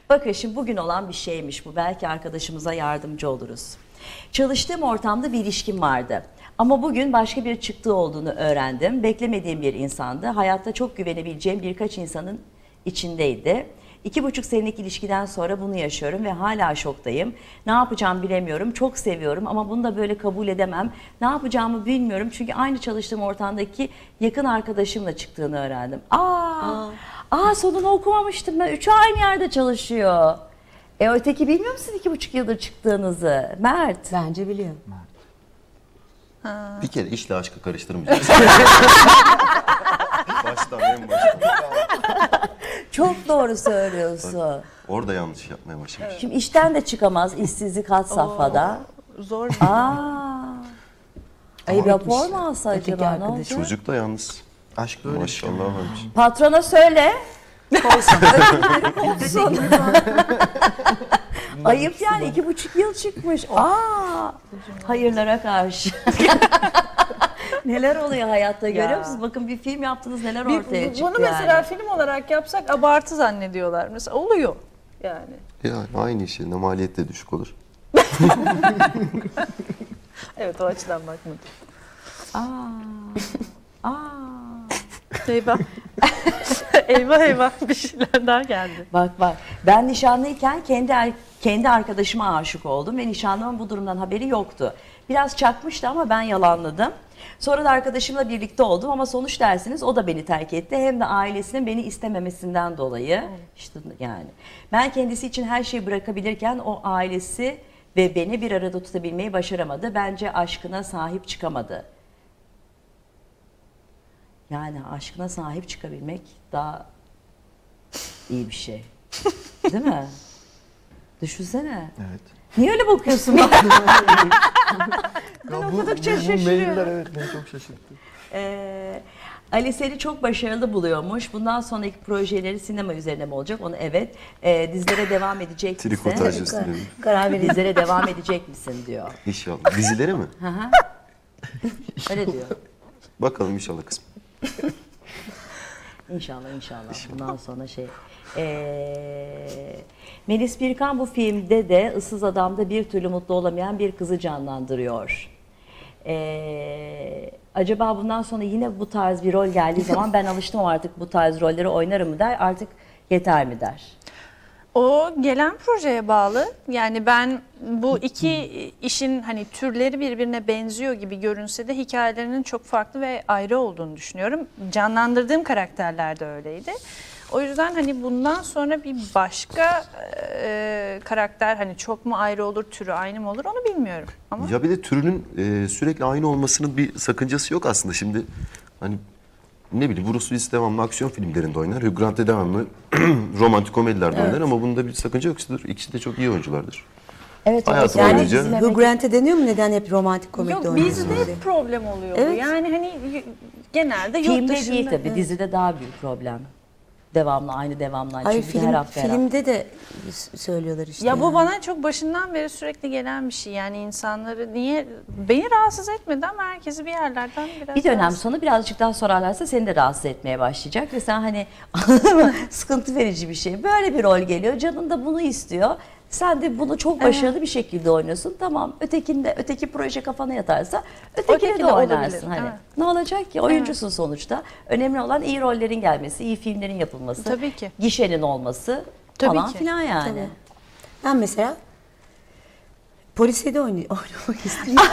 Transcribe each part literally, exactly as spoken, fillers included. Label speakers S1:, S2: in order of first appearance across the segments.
S1: Bakın şimdi bugün olan bir şeymiş bu. Belki arkadaşımıza yardımcı oluruz. Çalıştığım ortamda bir ilişkim vardı. Ama bugün başka bir çıktığı olduğunu öğrendim. Beklemediğim bir insandı. Hayatta çok güvenebileceğim birkaç insanın içindeydi. İki buçuk senelik ilişkiden sonra bunu yaşıyorum ve hala şoktayım. Ne yapacağımı bilemiyorum. Çok seviyorum ama bunu da böyle kabul edemem. Ne yapacağımı bilmiyorum çünkü aynı çalıştığım ortamdaki yakın arkadaşımla çıktığını öğrendim. Aa, aa, aa sonunu okumamıştım ben. Üçü aynı yerde çalışıyor. E öteki bilmiyor musun iki buçuk yıldır çıktığınızı? Mert.
S2: Bence biliyor.
S3: Bir kere işle aşkı karıştırmayacağız. Baştan en baştan.
S1: Çok doğru söylüyorsun.
S3: Orada yanlış yapmaya başlamış.
S1: Şimdi işten de çıkamaz, işsizlik had safhada.
S4: Zor.
S1: Aa. Ay rapor mu alsa
S2: Öteki
S1: acaba ne
S2: arkadaş.
S1: olacak?
S3: Çocuk da yalnız. Aşk maşallah varmış.
S1: Patrona söyle. Ayıp yani iki buçuk yıl çıkmış. Aa, hayırlara karşı. Neler oluyor hayatta görüyor musunuz? Bakın bir film yaptınız neler
S4: Bir-
S1: ortaya çıktı
S4: Bunu mesela
S1: yani.
S4: film olarak yapsak abartı zannediyorlar. Mesela oluyor yani.
S3: Yani aynı iş yerine maliyet de düşük olur.
S4: Evet, o açıdan bakmadım.
S1: Aa, aa.
S4: Eyvah. eyvah eyvah bir şeyler daha geldi.
S1: Bak bak ben nişanlıyken kendi er- kendi arkadaşıma aşık oldum ve nişanlımın bu durumdan haberi yoktu. Biraz çakmıştı ama ben yalanladım. Sonra da arkadaşımla birlikte oldum ama sonuç dersiniz o da beni terk etti. Hem de ailesinin beni istememesinden dolayı. İşte yani ben kendisi için her şeyi bırakabilirken o ailesi ve beni bir arada tutabilmeyi başaramadı. Bence aşkına sahip çıkamadı. Yani aşkına sahip çıkabilmek daha iyi bir şey. Değil mi? Düşünsene.
S3: Evet.
S1: Niye öyle bakıyorsun bana? Ben okudukça şaşırıyorum.
S3: Evet beni çok şaşırttı.
S1: Ee, Ali seni çok başarılı buluyormuş. Bundan sonraki projeleri sinema üzerine mi olacak? Onu evet. Ee, dizilere devam edecek misin?
S3: Trikotaj üstüne.
S1: Karar ver. Dizilere devam edecek misin diyor.
S3: İnşallah. Dizileri mi?
S1: Hı hı. Öyle diyor.
S3: Bakalım inşallah kısmı.
S1: İnşallah inşallah. Bundan sonra şey. Ee, Melis Birkan bu filmde de Issız Adam'da bir türlü mutlu olamayan bir kızı canlandırıyor. Ee, acaba bundan sonra yine bu tarz bir rol geldiği zaman ben alıştım artık bu tarz rolleri oynarım mı der, artık yeter mi der?
S4: O gelen projeye bağlı. Yani ben bu iki işin hani türleri birbirine benziyor gibi görünse de hikayelerinin çok farklı ve ayrı olduğunu düşünüyorum. Canlandırdığım karakterler de öyleydi. O yüzden hani bundan sonra bir başka e, karakter hani çok mu ayrı olur, türü aynı mı olur onu bilmiyorum. Ama
S3: Ya bir de türünün e, sürekli aynı olmasının bir sakıncası yok aslında. Şimdi hani ne bileyim Bruce Willis devamlı aksiyon filmlerinde oynar. Hugh Grant de devamlı romantik komedilerde oynar ama bunda bir sakınca yok. İkisi de çok iyi oyunculardır.
S1: Evet,
S3: Hayatım
S1: evet.
S3: boyunca-
S1: Yani
S2: Hugh Grant'e deniyor mu neden hep romantik komedi
S4: yok
S2: oynuyorsun
S4: bizde
S2: diye?
S4: hep problem oluyor bu.
S2: Evet.
S4: Yani hani y- genelde yurt
S1: Filmde
S4: dışında.
S1: değil tabii, dizide daha büyük problem. Devamlı aynı devamlı aynı.
S2: Hayır
S1: Çünkü
S2: film,
S1: her hafta her hafta.
S2: filmde de s- söylüyorlar işte.
S4: Ya bu
S2: yani.
S4: bana çok başından beri sürekli gelen bir şey. Yani insanları niye beni rahatsız etmedi ama herkesi bir yerlerden biraz
S1: Bir dönem
S4: rahatsız-
S1: sonra birazcık daha sorarlarsa seni de rahatsız etmeye başlayacak ve sen hani sıkıntı verici bir şey. Böyle bir rol geliyor, canın da bunu istiyor. Sen de bunu çok başarılı bir şekilde oynuyorsun. Tamam, ötekinde öteki proje kafana yatarsa ötekine
S4: Öteki
S1: de
S4: de
S1: oynarsın
S4: olabilir,
S1: hani.
S4: evet.
S1: Ne olacak ki? Oyuncusun sonuçta. Önemli olan iyi rollerin gelmesi, iyi filmlerin yapılması,
S4: Tabii ki.
S1: gişenin olması
S4: Tabii
S1: falan
S4: ki.
S1: filan yani.
S2: Tabii. Ben mesela polise de oynay- oynamak istiyorum.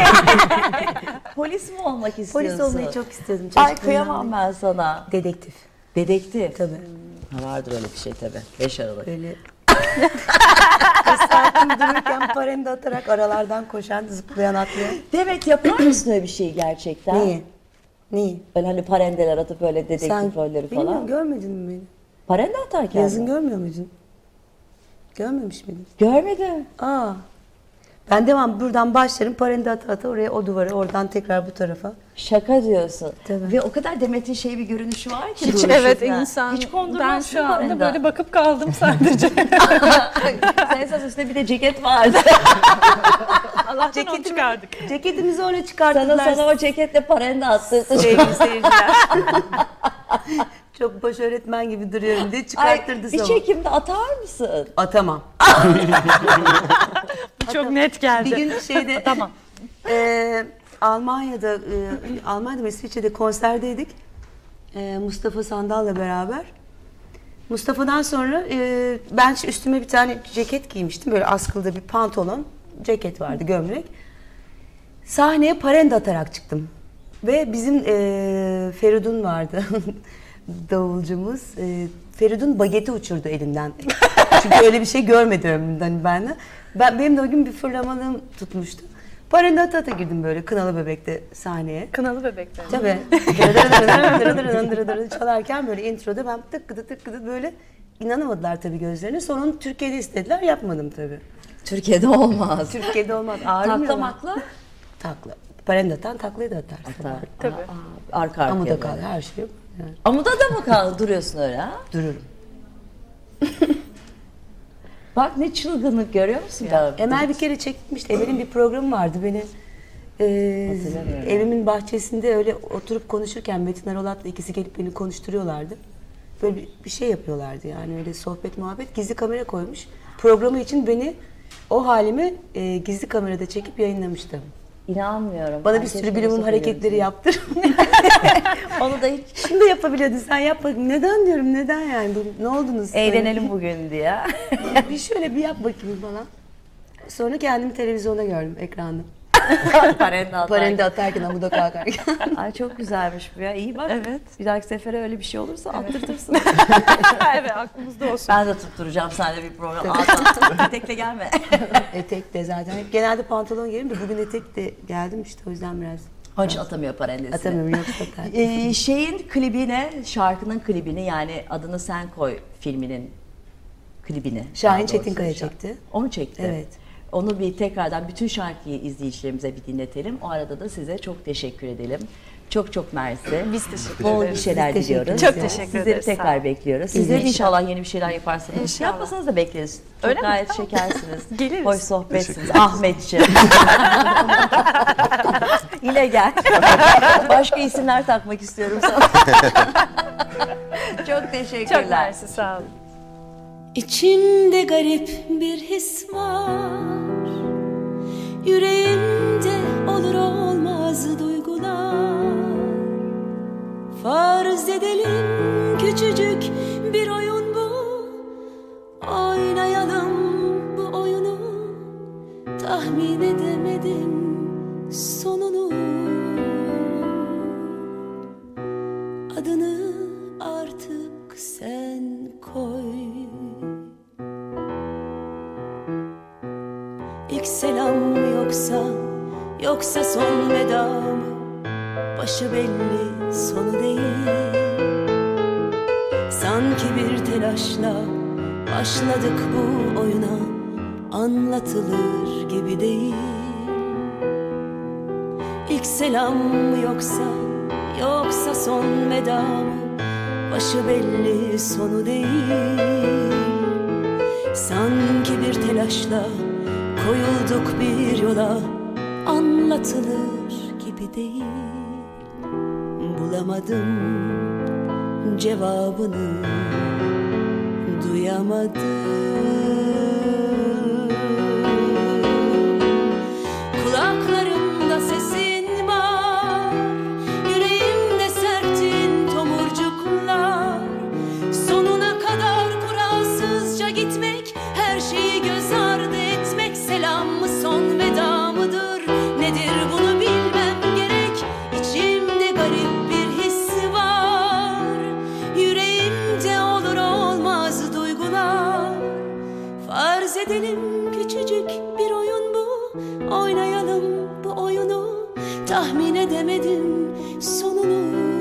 S1: Polis mi olmak istiyorsun?
S2: Polis olmayı çok istiyordum.
S1: Ay
S2: çocukluğumdan
S1: kıyamam
S2: beri.
S1: ben sana.
S2: Dedektif.
S1: Dedektif.
S2: Tabii.
S1: Ha, vardır öyle bir şey tabii. beş Aralık.
S2: Böyle sakin dururken parende atarak aralardan koşan, zıplayan, atlayan.
S1: Demek yapar mısın öyle bir şey gerçekten?
S2: Neyi? Neyi?
S1: Böyle hani parendeler atıp böyle dedektif
S2: Sen
S1: rolleri
S2: bilmiyorum,
S1: falan.
S2: görmedin mi beni?
S1: Parende atarken
S2: Yazın
S1: mi?
S2: görmüyor muydun? Görmemiş miydin?
S1: Görmedim.
S2: Aa. Ben devam buradan başlarım parende ata ata oraya o duvara oradan tekrar bu tarafa.
S1: Şaka diyorsun.
S2: Tabii.
S1: Ve o kadar Demet'in şey bir görünüşü var ki.
S4: Hiç
S1: duruşu
S4: evet
S1: falan.
S4: insan.
S1: Hiç
S4: Ben
S1: kondurmazsın
S4: şu anda
S1: parende.
S4: böyle bakıp kaldım sadece.
S1: Sen esas üstünde bir de ceket vardı.
S4: Allah'tan onu çıkardık.
S2: Ceketimizi öyle
S1: sana,
S2: çıkarttılar.
S1: sana o ceketle parende attırdı.
S4: Sevgili seyirciler.
S2: Çok baş öğretmen gibi duruyorum diye
S1: Ay,
S2: çıkarttırdı
S1: bir
S2: sabah.
S1: çekimde atar mısın?
S2: Atamam.
S4: Çok net geldi.
S2: Bir gün şeyde
S4: Tamam.
S2: e, Almanya'da, e, Almanya'da mı İsviçre'de konserdeydik. E, Mustafa Sandal'la beraber. Mustafa'dan sonra e, ben üstüme bir tane ceket giymiştim. Böyle askılı bir pantolon, ceket vardı, gömlek. Sahneye parende atarak çıktım. Ve bizim e, Feridun vardı, davulcumuz. E, Feridun bageti uçurdu elinden. Çünkü öyle bir şey görmedi ömrümden ben de. Ben, benim de o gün bir fırlamalığım tutmuştu. Parende ata ata girdim böyle Kınalı Bebek'te sahneye.
S4: Kınalı bebekler.
S2: Tabii. Çalarken böyle introda ben tık gıdı tık gıdı böyle inanamadılar tabii gözlerine. Sonra onu Türkiye'de istediler, yapmadım tabii.
S1: Türkiye'de olmaz.
S2: Türkiye'de olmaz. Ağrımıyor.
S1: Taklamakla
S2: Takla. Parende atan taklayı da atar.
S1: atar.
S4: Tabii.
S1: Aa, arka arkaya.
S2: Amuda
S1: böyle.
S2: kal, her şey yok. Yani
S1: Amuda da mı kal duruyorsun öyle ha?
S2: dururum.
S1: Bak ne çılgınlık görüyor musun? Ya.
S2: Emel bir kere çekmişti. Emel'in bir programı vardı. Beni e,
S1: Hatırlamıyorum.
S2: evimin bahçesinde öyle oturup konuşurken Metin Erolat'la ikisi gelip beni konuşturuyorlardı. Böyle bir, bir şey yapıyorlardı yani öyle sohbet muhabbet. Gizli kamera koymuş. Programı için beni o halimi e, gizli kamerada çekip yayınlamıştı.
S1: İnanmıyorum.
S2: Bana
S1: Ben
S2: bir
S1: keşke
S2: sürü bilimum
S1: olsa
S2: hareketleri
S1: görüntüyü.
S2: yaptır.
S1: Onu da hiç
S2: Şunu da yapabiliyordun sen yap bakayım. Neden diyorum neden yani? Bu- Ne oldunuz?
S1: eğlenelim bugün diye.
S2: Bir şöyle bir yap bakayım falan. Sonra kendimi televizyonda gördüm ekranda.
S1: Parende atar.
S2: Parende atarken amuda kalkarken.
S1: Ay çok güzelmiş bu ya. İyi bak.
S4: Evet.
S1: Bir dahaki sefere öyle bir şey olursa attırtırsın.
S4: Evet, aklımızda olsun.
S1: Ben de tutturacağım seninle bir program. Ağzına etekle gelme.
S2: Etek de zaten. Hep genelde pantolon giyerim de bugün etek de geldim işte o yüzden biraz
S1: Hiç atamıyor parendesini.
S2: atamıyorum yoksa atar.
S1: Ee, şeyin klibine, şarkının klibini yani Adını Sen Koy filminin klibini.
S2: Şahin
S1: daha doğrusu.
S2: Çetinkaya
S1: Şa-
S2: çekti.
S1: Onu çekti.
S2: Evet.
S1: Onu bir tekrardan bütün şarkıyı izleyicilerimize bir dinletelim. O arada da size çok teşekkür edelim. Çok çok mersi.
S4: Biz teşekkür
S1: Bol bir
S4: ederiz.
S1: şeyler
S2: Biz teşekkür
S1: diliyoruz.
S2: ederiz.
S4: Çok teşekkür
S1: Sizleri
S4: ederiz, sağ
S1: tekrar
S4: olun.
S1: bekliyoruz. Sizlerin
S2: İnşallah.
S1: inşallah yeni bir şeyler yaparsanız.
S4: İnşallah.
S1: Yapmasanız da bekleriz. Çok
S4: Öyle mi?
S1: gayet
S4: Tamam.
S1: şekersiniz.
S4: Geliriz.
S1: Hoş sohbetsiniz.
S3: Teşekkür
S1: Ahmetciğim. Yine gel. Başka isimler takmak istiyorum sana. Çok teşekkürler.
S4: Çok mersi, sağ olun.
S5: İçimde garip bir his var. Yüreğimde olur olmaz duygular. Farz edelim küçücük bir oyun bu. Oynayalım bu oyunu. Tahmin edemedim sonunu. Adını artık sen koy. İlk selam mı yoksa, yoksa son veda mı? Başı belli, sonu değil. Sanki bir telaşla başladık bu oyuna. Anlatılır gibi değil. İlk selam mı yoksa, yoksa son veda mı? Başı belli, sonu değil. Sanki bir telaşla koyulduk bir yola, anlatılır gibi değil. Bulamadım cevabını, duyamadım. Kulaklarımda sesin var, yüreğimde serptin tomurcuklar. Sonuna kadar kuralsızca gitmek, her şeyi göz ardı etmek. Selam mı son veda mıdır? Nedir bunu bilmem gerek. İçimde garip bir his var. Yüreğimde olur olmaz duygular. Farz edelim küçücük bir oyun bu. Oynayalım bu oyunu. Tahmin edemedim sonunu.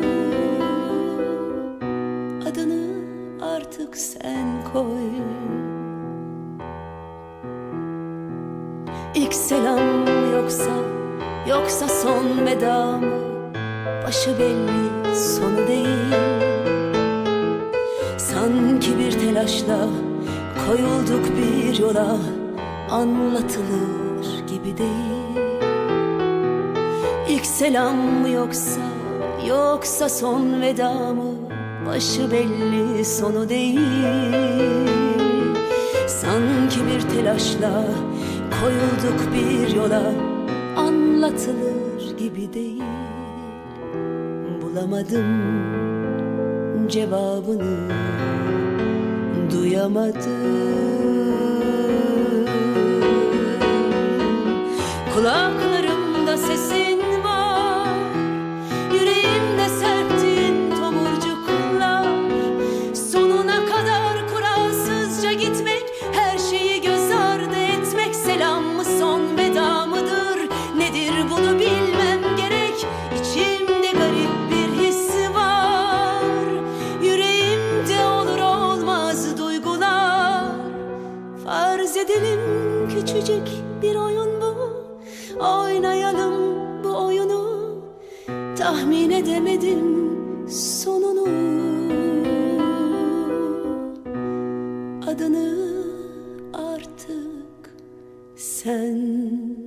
S5: Adını artık sen koy. İlk selam mı yoksa, yoksa son veda mı? Başı belli, sonu değil. Sanki bir telaşla koyulduk bir yola, anlatılır gibi değil. İlk selam mı yoksa, yoksa son veda mı? başı belli sonu değil. Sanki bir telaşla koyulduk bir yola, anlatılır gibi değil. Bulamadım cevabını, duyamadım. Kulaklarımda sesin var, yüreğimde serptin tomurcuklar. Sonuna kadar kuralsızca gitmek, her şeyi göz ardı etmek, selam mı son veda mıdır? Nedir bunu bilmem gerek. İçimde garip bir his var, yüreğimde olur olmaz duygular. Farz edelim küçücük bir oyun bu, oynayalım bu oyunu. Tahmin edemedim sonunu, adını artık sen